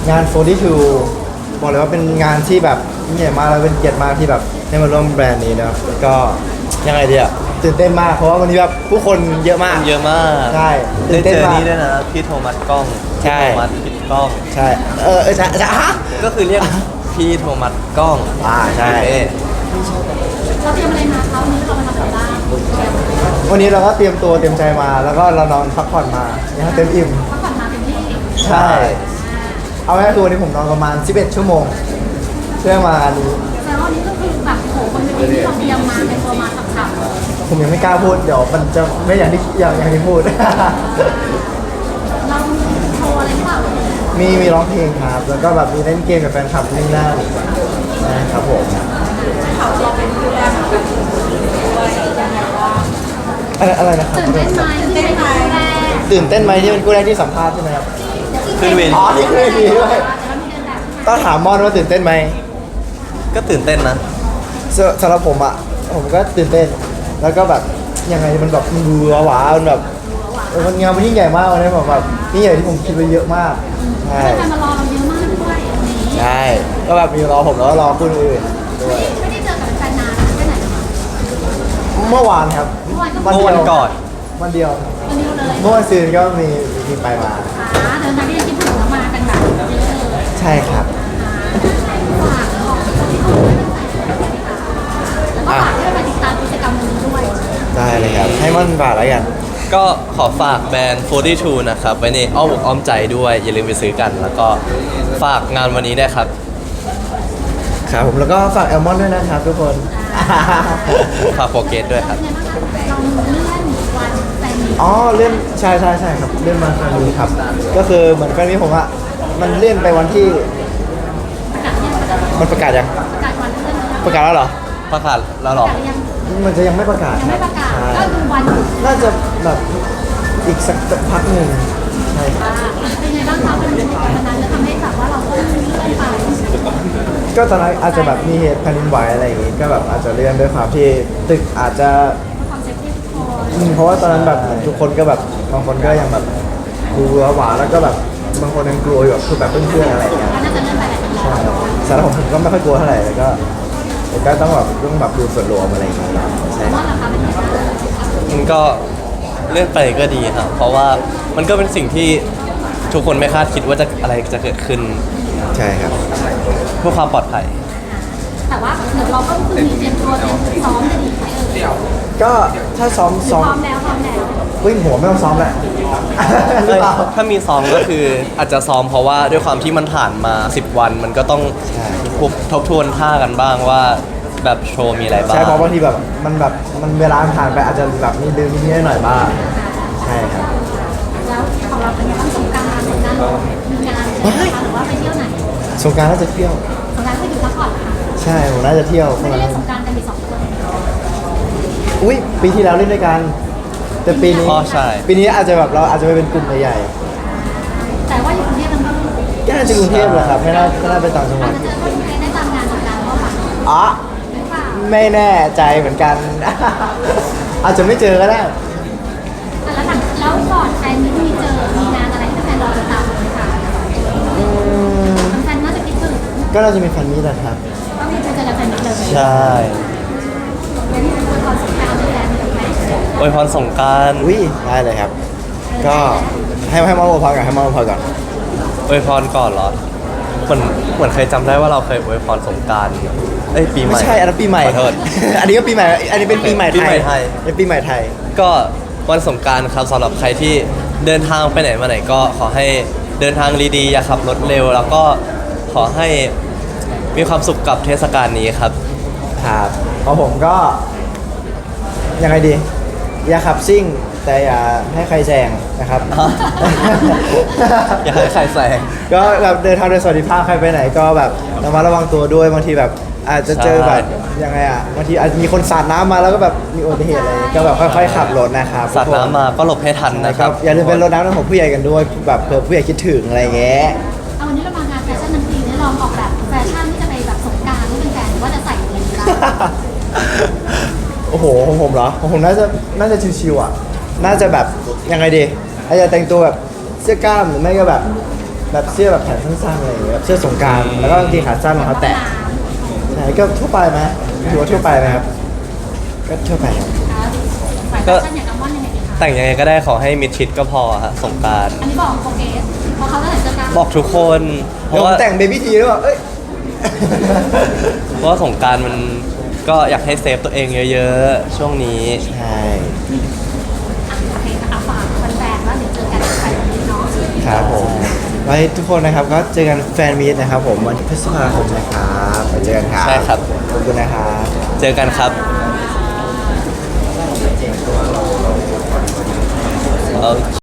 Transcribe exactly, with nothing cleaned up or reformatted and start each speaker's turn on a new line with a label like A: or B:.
A: งานโฟร์ตี้ทูบอกเลยว่าเป็นงานที่แบบยิ่งใหญ่มากแล้วเป็นเกียรติมากที่แบบได้มาร่วมแบรนด์นี้นะครับก็ยังไงดีอะตื่นเต้นมากเพราะว่าวันนี้แบบผู้คนเยอะมาก
B: เยอะมาก
A: ใช่
B: ได้เจอ
A: มาก
B: นี่ด้วยนะพี่โทมัสกล้อง
A: ใช่
B: พี่โทมัสพี่กล้อง
A: ใช่เออเออจะจะฮะ
B: ก็คือเรียกพี่โทมัสกล้อง
A: อ่าใช่
B: โอเค
C: เราเตรียมอะไรมาคะวันนี้เรามาทำอะไรบ้าง
A: วันนี้เราก็เตรียมตัวเตรียมใจมา แล้วก็เรานอนพักผ่อนมาอย่างเต็มอิ่ม
C: พักผ่อนมาเต็มที่
A: ใช่เอาง่ายๆคือวันนี้ผมนอนประมาณสิบเอ็ดชั่วโมงเพื่อมางานนี้
C: แต่ว่าวันนี้ก็คือแบบโหคนเป็นที่เราเตรียมมาเป็นตัวมาฉ่ำๆ
A: ผมยังไม่กล้าพูดเดี๋ยวมันจะไม่อย่างที่อย่างอย่างที่พูด
C: เราโชว์อะไรหรือเปล่า
A: มีมีร้องเพลงครับ แล้วก็แบบมีเล่นเกมกับแฟนคลับนี่นั่นนะครับผม
C: เขาเราเป็นผู้แรกด้วยยังไงบ้าง
A: อะไรอะไรนะครับ
C: ตื่นเต้นไหมตื่นเต้นไหมแรก
A: ตื่นเต้นไหมที่เป็นกู้แรกที่สัมภาษณ์ใช่ไหมครับ
B: ขึ้นเวที
A: อ๋อนี่คือเวทีด้วย
C: แต่เรามีเดินแบบใช่ไหม
A: ต้องถามมอนว่าตื่นเต้นไหม
B: ก็ตื่นเต้นนะ
A: สสำหรับผมอ่ะผมก็ตื่นเต้น แล้วก็แบบยังไงมันแบบมันดูหวาๆมันแบบเออมันงานมันยิ่งใหญ่มากเลยแบบแบบยิ่งใหญ่ที่ผมคิดไว้เยอะมากใช่
C: แฟนมารอเราเยอะมากด้วยวันนี้
A: ใช่ก็แบบมีรอผมแล้วก็รอคนอื่นด้วย
C: ไม่ได้เจอกับแฟนนานแค่ไหนนะคะ
A: เมื่อวานครับ
C: เมื่อวานก็
B: เมื่อวันก่อน
A: วันเดียว
C: วันนี้เลย
A: เมื่อวันซืนก็มีมีไปมา
C: อ่าเดินทางที่ยังคิดถึงแล้วมากันแบบเยอะเลย
A: ใช่ครับ
C: ฝากของที่เขาเป็นแฟนแล้วก็ฝากให้มาติดตามกิจกรรมนี้ด้วย
A: ได้เลยครับให้มันบาทแล้วกัน
B: ก็ขอฝากแบรนด์โฟร์ตี้ทูนะครับไว้ในอ้อมอกอ้อมใจด้วย อย่าลืมไปซื้อกัน แล้วก็ฝากงานวันนี้ด้วยครับ
A: ครับผมแล้วก็ฝากแอลมอนด้วยนะครับทุกคน
B: ฝากโปรเกตด้วยครับ
C: เป็นไงบ้างคะเราเลื่อนวันแฟนมีต
A: อ๋อเลื่อนใช่ใช่ใช่ครับเลื่อนมาแฟนมีครับ ก็คือเหมือนแฟนมีผมอะมันเลื่อนไปวันที่
C: ประกาศยัง
A: มันประกาศยัง
C: ประกาศวันเลื่อนแล้ว
A: ประกาศแล้วเหรอ
B: ประกาศแล้วหร
C: ป
B: อ
C: ระกาศยัง
A: มันจะยังไม่ประกาศ
C: ยัง
A: ค
C: ไม่
A: รับ
C: ประกาศ
A: ใช่
C: ก็คือวัน
A: น่าจะแบบอีกสักพักหนึ่งใช่ครับ
C: อ่าเป็นไงบ้างคะวันนี้วันนั้นจะทำให้แบบว่าเราต้องเลื่อนไป
A: ก็ตอนนั้นอาจจะแบบมีเหตุแผ่นดินไหวอะไรอย่างงี้ก็แบบอาจจะเลื่อนด้วยความที่ตึกอาจจะ
C: ความเซฟตี้ทุกคน
A: อืมเพราะว่าตอนนั้นแบบเหมือนทุกคนก็แบบบางคนก็ยังแบบกลัวหวาแล้วก็แบบบางคนยังกลัวอยู่แบบคือแบบเพื่อนๆอะไรอย่างเงี้ย
C: ก็น่าจะเลื่อนไปแหละ
A: ใช่สำหรับผมผมก็ไม่ค่อยกลัวเท่าไหร่แล้วก็แต่ก็ต้องแบบต้องแบบดูส่วนรวมอะไรอย่างเงี้ยใช่
C: ว่าราคาเป็นไงบ้าง
B: มันก็เลื่อนไปก็ดีครับ เพราะว่ามันก็เป็นสิ่งที่ทุกคนไม่คาดคิดว่าจะอะไรจะเกิดขึ้น
A: ใช่ครับ
B: เพื่อความปลอดภัย
C: แต่ว่าเดี๋ยวเราก็คือมีเตรียมตัวเตรียมซ้อมจะดีไหมเอ่ย
A: ก็ถ้าซ้อม
C: พ
A: ซ้อม
C: ร้อมแล้วพร้อมแล้ว
A: วิ่งหัวไม่ต้องซ้อมแหละ หรือเปล่า
B: ถ้ามีซ้อมก็คืออาจจะซ้อมเพราะว่าด้วยความที่มันผ่านมาสิบวัน มันก็ต้อง
A: ใช่
B: ทบทวนท่ากันบ้างว่าแบบโชว์มีอะไรบ้าง
A: ใช่เพราะบางทีแบบมันแบบมันเวลาผ่านไปอาจจะแบบมีลืมนิดๆหน่อยๆบ้างใช่ครับ
C: แล้วของเราเป็นไงบ้างสงกรานต์สงกรานต์มีงานใช่ไหมคะหรือว่าไปเที่ยวไหน
A: สงกรารน่าจะเที่ยว
C: สงกรานต์ก็อยู่พักผ่อนค่ะ
A: ใช่ผมน่าจะเที่ยว
C: ไม่ได้เล่นสงกรานต์กันมีสองคน
A: อุ้ยปีที่แล้วเล่นด้วยกัน แต่ปีนี้
B: อ๋อใช่
A: ปีนี้อาจจะแบบเราอาจจะไปเป็นกลุ่มใหญ่
C: แต่ว่าอยู่กรุงเทพทั้งคู่
A: ๆก็น่าจะกรุงเทพแหละครับไม่น่าไม่น่าไปต่างจังห
C: อา
A: วั
C: จ
A: ด
C: จะเจอคนไทยได้ตามงานสงกรานต์ก็ค่ะ
A: อ๋อ
C: หรือเปล่า
A: ไม่แน่ใจเหมือนกัน อาจจะไม่เจอก็ได้
C: อ่ะแล้วหลังแล้วก่อนแฟนนี้มีเจอมีงานอะไรที่แฟนรอติดตามไหมคะ
A: อืม
C: แฟนน่าจะคิดถึง
A: ก็น่าจะมีแฟนมีแหละครับ
C: ก็มีเจอกับแฟนนี้เลย
B: ใช่
C: งั้นเป็นความสงกรานต์ด้วยกันถูกไหม
B: อวยพรสงกราร
A: อุ้ยได้เลยครับ ก็ให้ให้มาโอพอก่อนให้มาโอพอก่อน
B: อวยพรก่อนเหรอเหมือนเหมือนเคยจำได้ว่าเราเคยอวยพรสงกรารเอ้ยปีใหม่
A: ไม่ใช่อันนั้นปีใหม่
B: ขอโทษ
A: อันนี้ก็ปีใหม่ อันนี้เป็นปีใหม่
B: ปีใหม่ไทย
A: เป็นปีใหม่ไทย
B: ก็วันสงกรารครับสำหรับใครที่เดินทางไปไหนมาไหนก็ขอให้เดินทางดีๆอย่าขับรถเร็ว แล้วก็ขอให้มีความสุขกับเทศกาลนี้ครับ
A: ครับของผมก็ยังไงดี อย่าขับซิ่ง แต่อย่าให้ใครแซงนะครับ
B: อย่าให้ใครแซง
A: ก็แบบเดินทางโดยสวัสดิภาพใครไปไหนก็แบบระมัดระวังตัวด้วยบางทีแบบอาจจะเจอแบบยังไงอ่ะบางทีอาจจะมีคนสาดน้ำมาแล้วก็แบบมีอุบัติเหตุอะไรก็แบบค่อยๆขับรถนะครับ
B: สาดน้ำมาก็หลบให้ทัน
A: นะ
B: นะ
A: ค
B: ค
A: รั
B: รั
A: บบ อย่าลืมเป็นรถน้ำของผู้ใหญ่กันด้วยแบบเผื่อผู้ใหญ่คิดถึงอะไรอย่างเงี้ย
C: เอาวันนี้เรามางานแฟชั่นทั้งทีเนี่ยลองออกแบบแฟชั่นที่จะไปแบบสงกรานต์ให้เป็นแฟนว่าจะใส่อะไรดีบ้าง
A: โอ้โหของผมเหรอของผมน่าจะน่าจะชิวๆอ่ะน่าจะแบบยังไงดีอาจจะแต่งตัวแบบเสื้อกล้ามหรือไม่ก็แบบแบบเสื้อแบบแขนสั้นๆอะไรอย่างเงี้ยแบบเสื้อสงกรานต์แล้วก็กางเกงขาสั้นรองเท้าแตะใช่ก็ทั่วไปไหมถือว่าทั่วไปไหมครับก็ทั่วไปครับ
C: ฝ่ายแฟชั่นอย่างน้ำมันยังไงดีคะ
B: แต่งยังไงก็ได้ขอให้มิดชิดก็พอฮะสงกราร
C: อันนี้บอกโปรเกสเพราะเขาตั้งแต่เจอกัน
B: บอกทุกคนเพ
A: เดี๋ยว
B: ราะ
A: ผม
B: ว่า
A: แต่งเบบี้ทีหรือเปล่าเอ้ย
B: เพราะว่าสงกรารมันก็อยากให้เซฟตัวเองเยอะๆ ช่วงนี้
A: ใช่
C: อ่ะโอเคนะคะฝากแฟนๆว่าเดี๋ยวเจอกันในวันนี้เนาะ
A: ครับผมไว้ทุกคนนะครับก็เจอกันแฟนมีตนะครับผมวันที่พฤษภาคมนะครับไปเจอกันครับ
B: ใช่ครับ
A: ขอบคุณนะครับ
B: เจอกันครับโอเค